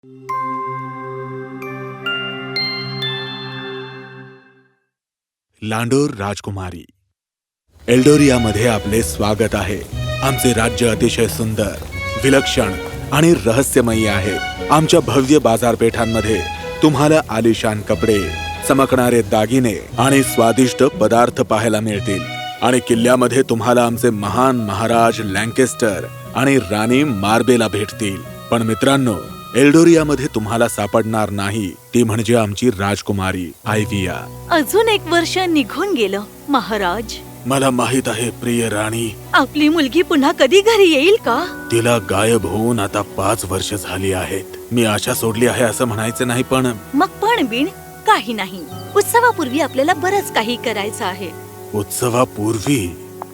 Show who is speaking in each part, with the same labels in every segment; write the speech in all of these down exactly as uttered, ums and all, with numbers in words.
Speaker 1: लांडोर राजकुमारी. एल्डोरियामध्ये आपले स्वागत आहे. आमचे राज्य अतिशय सुंदर, विलक्षण आणि रहस्यमयी आहे. आमच्या भव्य बाजारपेठांमध्ये तुम्हाला आलिशान कपडे, चमकणारे दागिने आणि स्वादिष्ट पदार्थ पाहायला मिळतील. आणि किल्ल्यामध्ये तुम्हाला आमचे महान महाराज लँकेस्टर आणि राणी मार्बेला भेटतील. पण मित्रांनो, एल्डोरियामध्ये तुम्हाला सापडणार नाही ती म्हणजे आमची राजकुमारी आयव्हिया.
Speaker 2: अजून एक वर्ष निघून गेलं महाराज.
Speaker 1: मला माहित आहे प्रिय राणी.
Speaker 2: आपली मुलगी पुन्हा कधी घरी येईल का?
Speaker 1: तिला गायब होऊन आता पाच वर्ष झाली आहेत. मी आशा सोडली आहे असं म्हणायचं नाही, पण
Speaker 2: मग पण बिन काही नाही. उत्सवापूर्वी आपल्याला बरंच काही करायचं आहे.
Speaker 1: उत्सवापूर्वी?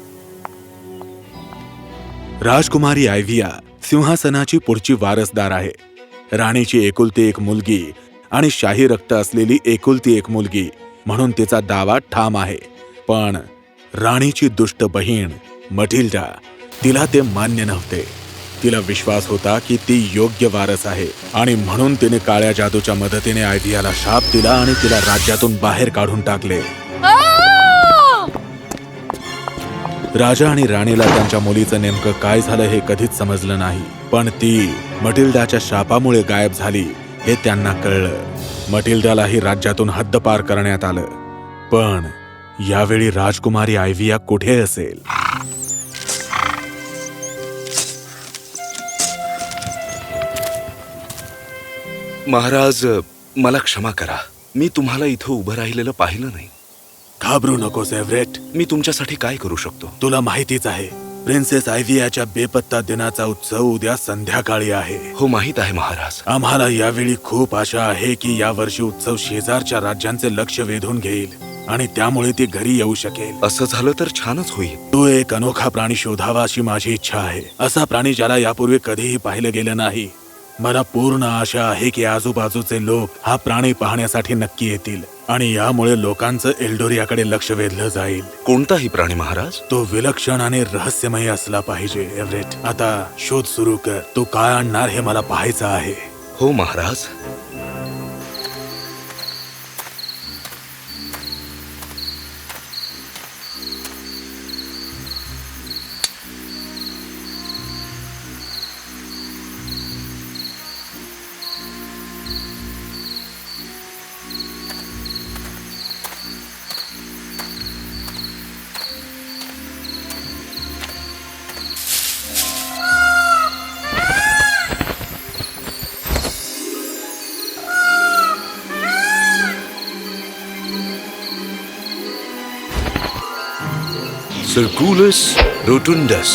Speaker 1: राजकुमारी आयव्हिया सिंहासनाची पुढची वारसदार आहे. राणीची एकुलती एक मुलगी आणि शाही रक्त असलेली एकुलती एक मुलगी म्हणून तिचा दावा ठाम आहे. पण राणीची दुष्ट बहीण मटिल्डा, तिला ते मान्य नव्हते. तिला विश्वास होता की ती योग्य वारस आहे आणि म्हणून तिने काळ्या जादूच्या मदतीने आयव्हियाला शाप दिला आणि तिला राज्यातून बाहेर काढून टाकले. राजा आणि राणीला त्यांच्या मुलीचं नेमकं काय झालं हे कधीच समजलं नाही. पण ती मटिल्डाच्या शापामुळे गायब झाली हे त्यांना कळलं. मटिल्डालाही राज्यातून हद्दपार करण्यात आलं. पण यावेळी राजकुमारी आयव्हिया कुठे असेल?
Speaker 3: महाराज, मला क्षमा करा. मी तुम्हाला इथं उभं राहिलेलं पाहिलं नाही.
Speaker 1: घाबरू नकोस एव्हरेट.
Speaker 3: मी तुमच्यासाठी काय करू शकतो?
Speaker 1: तुला माहितीच आहे, प्रिन्सेस आयव्हियाच्या बेपत्ता दिनाचा उत्सव उद्या संध्याकाळी आहे.
Speaker 3: हो, माहित आहे महाराज.
Speaker 1: आम्हाला यावेळी खूप आशा आहे की यावर्षी उत्सव शेजारच्या राज्यांचे लक्ष वेधून घेईल आणि त्यामुळे ती घरी येऊ शकेल.
Speaker 3: असं झालं तर छानच होईल.
Speaker 1: तो एक अनोखा प्राणी शोधावा अशी माझी इच्छा आहे. असा प्राणी ज्याला यापूर्वी कधीही पाहिलं गेलं नाही. मला पूर्ण आशा आहे की आजूबाजूचे लोक हा प्राणी पाहण्यासाठी नक्की येतील आणि यामुळे लोकांचं एल्डोरियाकडे लक्ष वेधलं जाईल.
Speaker 3: कोणताही प्राणी महाराज?
Speaker 1: तो विलक्षण आणि रहस्यमय असला पाहिजे एव्हरेट. आता शोध सुरू कर. तू काय आणणार हे मला पाहायचं आहे.
Speaker 3: हो महाराज. Circulus rotundus.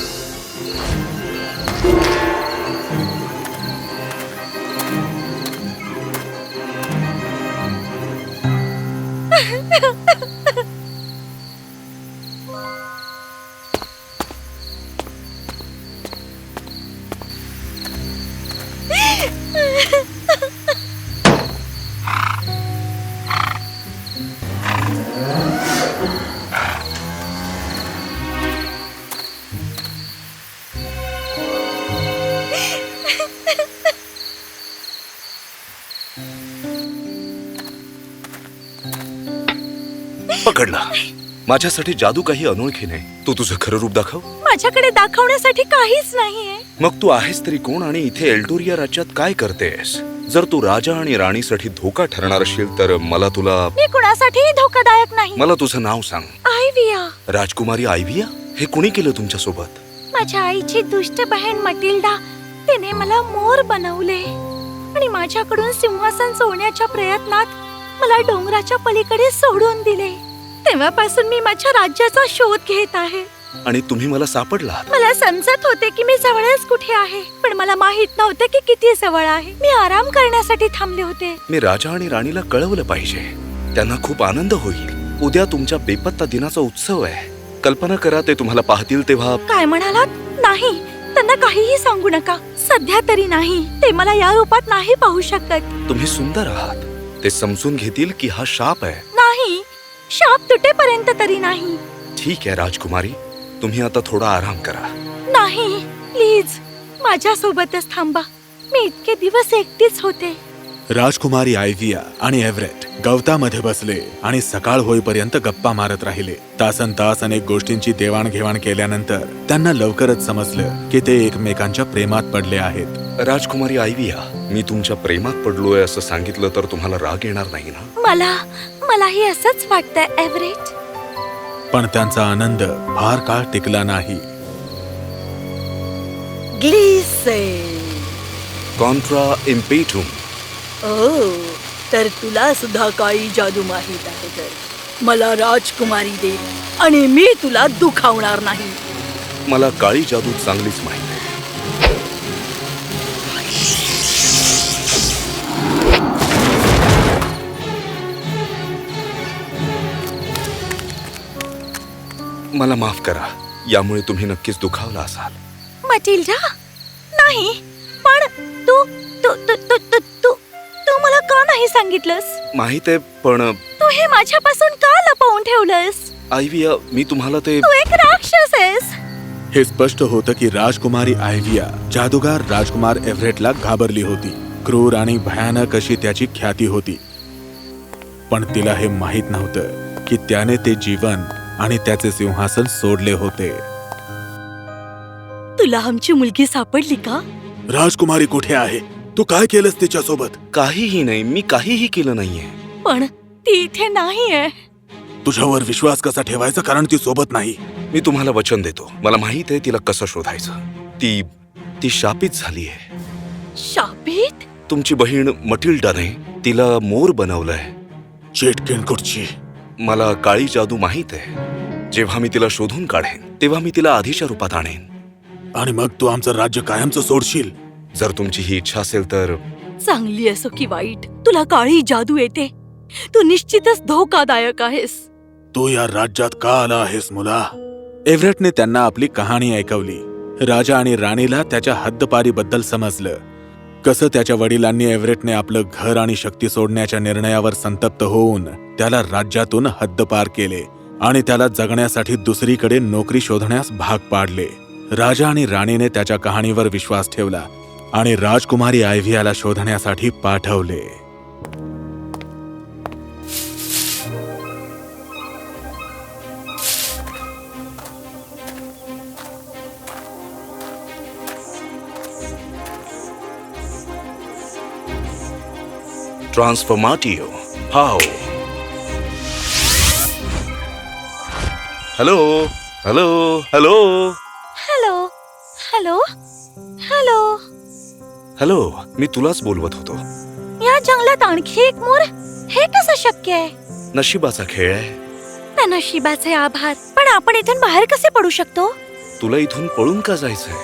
Speaker 3: पकडला. माझ्यासाठी जादू काही अनोळखी नाही. तू तुझं खरं रूप दाखव.
Speaker 2: माझ्याकडे दाखवण्यासाठी काहीच नाहीये.
Speaker 3: मग तू आहेस तरी कोण आणि इथे एल्डोरिया राज्यात काय करतेस? जर तू राजा आणि राणीसाठी धोका ठरणार असेल तर मला तुला.
Speaker 2: मी कुणासाठीही धोकादायक नाही.
Speaker 3: मला तुझं नाव सांग.
Speaker 2: आयव्हिया.
Speaker 3: राजकुमारी आयव्हिया? हे कुणी केलं तुमच्या सोबत?
Speaker 2: माझ्या आईची दुष्ट बहीण मटिल्डा, तिने मला मोर बनवले आणि माझ्याकडून सिंहासन चोरण्याच्या प्रयत्नात मला डोंगराच्या पलीकडे सोडून दिले. तेव्हापासून मी माझ्या राज्याचा शोध घेत आहे.
Speaker 3: आणि तुम्ही मला सापडला?
Speaker 2: मला समजत होते की मी जवळच कुठे आहे, पण मला माहित नव्हते की किती जवळ आहे. मी आराम करण्यासाठी थांबले होते.
Speaker 3: मी राजा आणि राणीला कळवलं पाहिजे. त्यांना खूप आनंद होईल. उद्या तुमच्या बेपत्ता दिनाचा उत्सव आहे. कल्पना करा, ते तुम्हाला पाहतील तेव्हा.
Speaker 2: काय म्हणालात? नाही, त्यांना काहीही सांगू नका. सध्या तरी नाही. ते मला या रूपात नाही पाहू शकत.
Speaker 3: तुम्ही सुंदर आहात. ते समजून घेतील की हा शाप आहे.
Speaker 2: नाही, शाप तुटेपर्यंत तरी नाही.
Speaker 3: ठीक आहे राजकुमारी, तुम्ही आता थोडा आराम करा.
Speaker 2: नाही, प्लीज माझ्या सोबतच थांबा. मी इतके दिवस एकटीच होते.
Speaker 1: राजकुमारी आयव्हिया आणि एव्हरेट गवतामध्ये बसले आणि सकाळ होईपर्यंत गप्पा मारत राहिले. तासन तास अनेक गोष्टींची देवाणघेवाण केल्यानंतर त्यांना लवकरच समजलं की ते एकमेकांच्या प्रेमात पडले आहेत.
Speaker 3: राजकुमारी आयव्हिया, मी तुमच्या प्रेमात पडलोय असं सांगितलं तर तुम्हाला राग येणार नाही ना?
Speaker 2: मला मलाही असंच वाटतंय एव्हरेट.
Speaker 1: पण त्यांचा आनंद फार काळ टिकला नाही.
Speaker 4: ग्लिसे.
Speaker 3: कॉन्ट्रा इम्पेटुम.
Speaker 4: ओ, तर तुला सुद्धा काळी जादू माहीत आहे. तर मला राजकुमारी दे आणि मी तुला दुखावणार नाही.
Speaker 3: मला काळी जादू चांगलीच माहित आहे. मला माफ करा, यामुळे तुम्ही नक्कीच दुखावला असाल.
Speaker 2: मटिल्डा, नाही, पण तू तू तू तू तू तू तू मला का नाही सांगितलंस?
Speaker 3: माहित आहे, पण
Speaker 2: तू हे माझ्यापासून का लपवून ठेवलंस?
Speaker 3: आयव्हिया, मी तुम्हाला ते
Speaker 2: तू एक राक्षस आहेस.
Speaker 1: हे स्पष्ट होतं की राजकुमारी आयव्हिया जादूगार राजकुमार एव्हरेटला घाबरली होती. क्रूर आणि भयानक अशी त्याची ख्याती होती. पण तिला हे माहीत नव्हतं की त्याने ते जीवन आणि त्याचे सिंहासन सोडले होते.
Speaker 4: तुला आमची मुलगी सापडली का?
Speaker 1: राजकुमारी कुठे आहे? तू काय केलंस तिच्यासोबत?
Speaker 3: काहीही नाही, मी काहीही केलं नाहीये.
Speaker 4: पण ती इथे नाहीये.
Speaker 1: तुझ्यावर विश्वास कसा ठेवायचा, कारण ती सोबत नाही.
Speaker 3: मी तुम्हाला वचन देतो, मला माहित आहे तिला कसं शोधायचं. ती ती शापित झाली आहे.
Speaker 4: शापित?
Speaker 3: तुमची बहीण मटिल्डाने तिला मोर बनवलंय.
Speaker 1: चेटकिणकुटची.
Speaker 3: मला काळी जादू माहित आहे. जेव्हा मी तिला शोधून काढेन तेव्हा मी तिला आधीच्या रूपात आणेन.
Speaker 1: आणि मग तू आमचं राज्य कायमचं सोडशील?
Speaker 3: जर तुमची ही इच्छा असेल तर.
Speaker 4: चांगली असो की वाईट, तुला काळी जादू येते. तू निश्चितच धोकादायक आहेस.
Speaker 1: तू या राज्यात का आला आहेस मुला? एव्हरेटने त्यांना आपली कहाणी ऐकवली. राजा आणि राणीला त्याच्या हद्दपारीबद्दल समजलं. कसं त्याच्या वडिलांनी एव्हरेटने आपलं घर आणि शक्ती सोडण्याच्या निर्णयावर संतप्त होऊन त्याला राज्यातून हद्दपार केले आणि त्याला जगण्यासाठी दुसरीकडे नोकरी शोधण्यास भाग पाडले. राजा आणि राणीने त्याच्या कहाणीवर विश्वास ठेवला आणि राजकुमारी आयव्हियाला शोधण्यासाठी पाठवले.
Speaker 3: ट्रान्सफॉर्माटिओ. हाओ. Hello hello hello
Speaker 2: hello hello hello.
Speaker 3: Hello, मी तुलाच बोलवत होतो.
Speaker 2: या जंगलात आणखी एक मोर? हे कसं शक्य आहे?
Speaker 3: नशिबाचा खेळ आहे.
Speaker 2: त्या नशिबाचे आभार. पण आपण इथून बाहेर कसे पडू शकतो?
Speaker 3: तुला इथून पळून का जायचंय?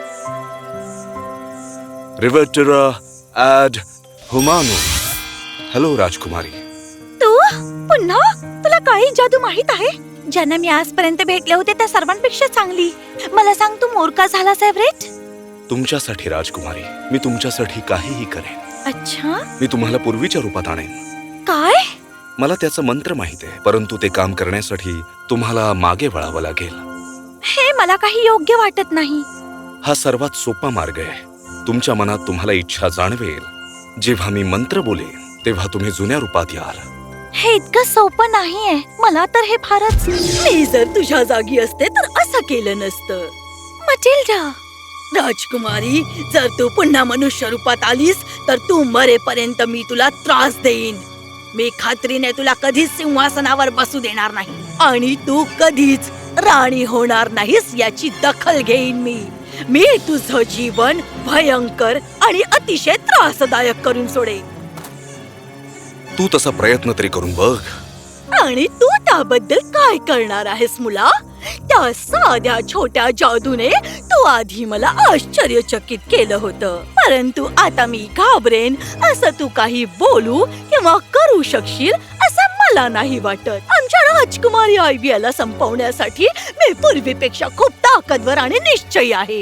Speaker 3: रिव्हर्टेरा ॲड हुमानो. हॅलो राजकुमारी.
Speaker 2: तू पुन्हा? तुला काळी जादू माहित आहे? ज्यांना मी आजपर्यंत भेटले होते त्या सर्वांपेक्षा चांगली. मला सांग, तू मोर का झालास एव्हरेट?
Speaker 3: तुमच्यासाठी राजकुमारी, मी तुमच्यासाठी काहीही करेन.
Speaker 2: अच्छा.
Speaker 3: मी तुम्हाला पूर्वीच्या रूपात आणेन.
Speaker 2: काय?
Speaker 3: मला त्याचं मंत्र माहित आहे, परंतु ते काम करण्यासाठी तुम्हाला मागे वळावं लागेल.
Speaker 2: हे मला काही योग्य वाटत नाही.
Speaker 3: हा सर्वात सोपा मार्ग आहे. तुमच्या मनात तुम्हाला इच्छा जाणवेल. जेव्हा मी मंत्र बोलेन तेव्हा तुम्ही जुन्या रूपात याल.
Speaker 2: हे इतकं सोपं नाहीये. मला तर हे फारच.
Speaker 4: मी जर तुझ्या जागी असते तर असं केलं नसतं.
Speaker 2: मटिल्डा.
Speaker 4: राजकुमारी, जर तू पुन्हा मनुष्य रूपात आलीस तर तू मरेपर्यंत मी तुला त्रास देईन. मी खात्रीने तुला कधीच सिंहासनावर बसू देणार नाही आणि तू कधीच राणी होणार नाहीस याची दखल घेईन मी. मी तुझं जीवन भयंकर आणि अतिशय त्रासदायक करून सोडेन.
Speaker 3: तू तसा प्रयत्न तरी करून बघ.
Speaker 4: आणि तू त्याबद्दल काय करणार आहेस मुला? त्या साध्या छोट्या जादूने तू आधी मला आश्चर्यचकित केलं होतं, परंतु आता मी घाबरेन असं तू काही बोलू किंवा करू शकशील असं मला नाही वाटत. आमच्या राजकुमारी आयव्हियाला संपवण्यासाठी मी पूर्वीपेक्षा खूप ताकदवर आणि निश्चयी आहे.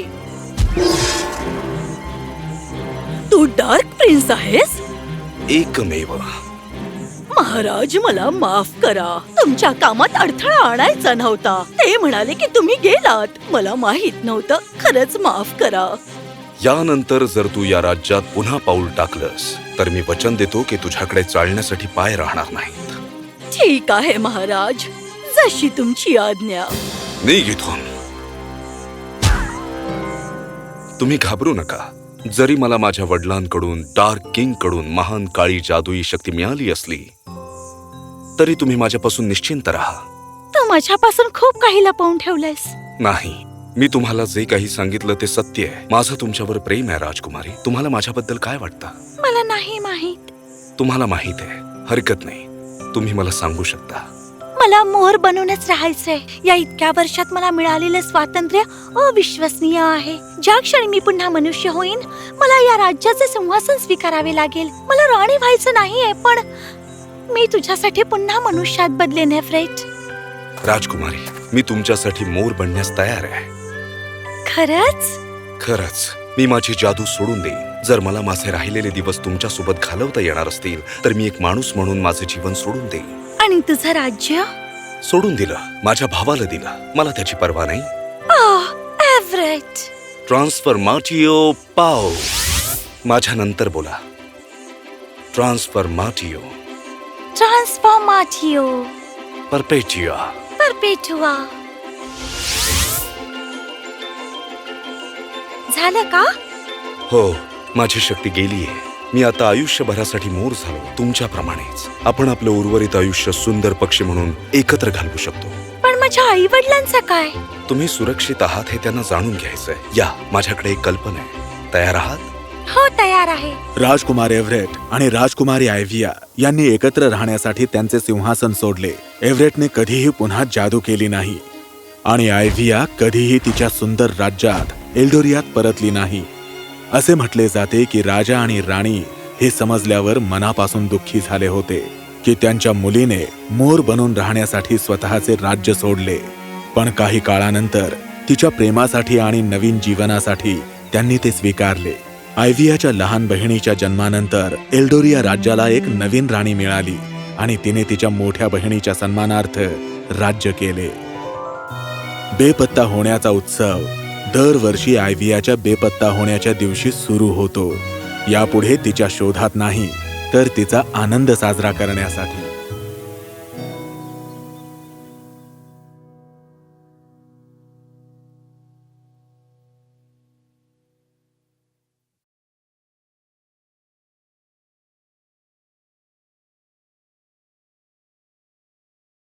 Speaker 4: तू डार्क प्रिन्स आहेस?
Speaker 3: एकमेव.
Speaker 4: महाराज, मला माफ करा. तुमच्या कामात अडथळा आणायचा नव्हता. ते म्हणाले की तुम्ही गेलात. मला माहित नव्हतं. खरंच माफ करा.
Speaker 3: यानंतर जर तू या राज्यात पुन्हा पाऊल टाकलंस तर मी वचन देतो की तुझ्याकडे चालण्यासाठी पाय राहणार नाहीत.
Speaker 4: ठीक आहे महाराज, जशी तुमची आज्ञा.
Speaker 3: निघ इथून. तुम्ही घाबरू नका. जरी मला माझ्या वडिलांकडून डार्क किंग कडून महान काळी जादुई शक्ती मिळाली असली तरी तुम्ही माझ्यापासून निश्चिंत राहा.
Speaker 2: तू माझ्यापासून खूप काही लपवून ठेवलंयस.
Speaker 3: नाही, मी तुम्हाला जे काही सांगितलं ते सत्य आहे. माझं तुमच्यावर प्रेम आहे राजकुमारी. तुम्हाला माझ्याबद्दल काय वाटतं?
Speaker 2: मला नाही माहित.
Speaker 3: तुम्हाला माहित आहे, हरकत नाही. तुम्ही मला सांगू शकता.
Speaker 2: मला मोर बनूनच राहायचंय. या इतक्या वर्षात मला मिळालेलं स्वातंत्र्य अविश्वसनीय आहे. ज्या क्षणी मी पुन्हा मनुष्य होईन मला या राज्याचे सिंहासन स्वीकारावे लागेल. मला राणी व्हायचं नाहीये, पण मी तुझ्यासाठी पुन्हा मनुष्यात बदलेन एव्हरेट.
Speaker 3: राजकुमारी, मी तुमच्यासाठी मोर बनण्यास तयार आहे.
Speaker 2: खरंच?
Speaker 3: खरंच. मी माझी जादू सोडून देईन. जर मला माझे राहिलेले दिवस तुमच्या सोबत घालवता येणार असतील तर मी एक माणूस म्हणून माझे जीवन सोडून देईन.
Speaker 2: आणि तुझं राज्य?
Speaker 3: सोडून दिलं. माझ्या भावाला दिलं. मला त्याची पर्वा नाही.
Speaker 2: एव्हरेट.
Speaker 3: ट्रान्सफॉर्माटिओ पाओ. माझ्या नंतर बोला. ट्रान्सफॉर्माटिओ
Speaker 2: ट्रान्सफॉर्माटिओ
Speaker 3: परपेचिया
Speaker 2: परपेटुआ. झालं का?
Speaker 3: हो, माझी शक्ती गेलीये. मी आता आयुष्यभरासाठी मोर झालो. तुमच्याप्रमाणेच आपण आपलं उर्वरित आयुष्य सुंदर पक्षी म्हणून एकत्र घालवू शकतो.
Speaker 2: पण माझ्या आई वडिलांचं काय?
Speaker 3: तुम्ही सुरक्षित आहात हे त्यांना जाणून घ्यायचंय. या, माझ्याकडे एक कल्पना आहे. तयार आहात?
Speaker 2: हो, तयार आहे.
Speaker 1: राजकुमार एव्हरेट आणि राजकुमारी आयव्हिया यांनी एकत्र राहण्यासाठी त्यांचे सिंहासन सोडले. एव्हरेटने कधीही पुन्हा जादू केली नाही आणि आयव्हिया कधीही तिच्या सुंदर राज्यात एल्डोरियात परतली नाही. असे म्हटले जाते की राजा आणि राणी हे समजल्यावर मनापासून दुःखी झाले होते की त्यांच्या मुलीने मोर बनून राहण्यासाठी स्वतःचे राज्य सोडले. पण काही काळानंतर तिच्या प्रेमासाठी आणि नवीन जीवनासाठी त्यांनी ते स्वीकारले. आयव्हियाच्या लहान बहिणीच्या जन्मानंतर एल्डोरिया राज्याला एक नवीन राणी मिळाली आणि तिने तिच्या मोठ्या बहिणीच्या सन्मानार्थ राज्य केले. बेपत्ता होण्याचा उत्सव दरवर्षी आयव्हियाच्या बेपत्ता होण्याच्या दिवशी सुरू होतो. यापुढे तिच्या शोधात नाही तर तिचा आनंद साजरा करण्यासाठी.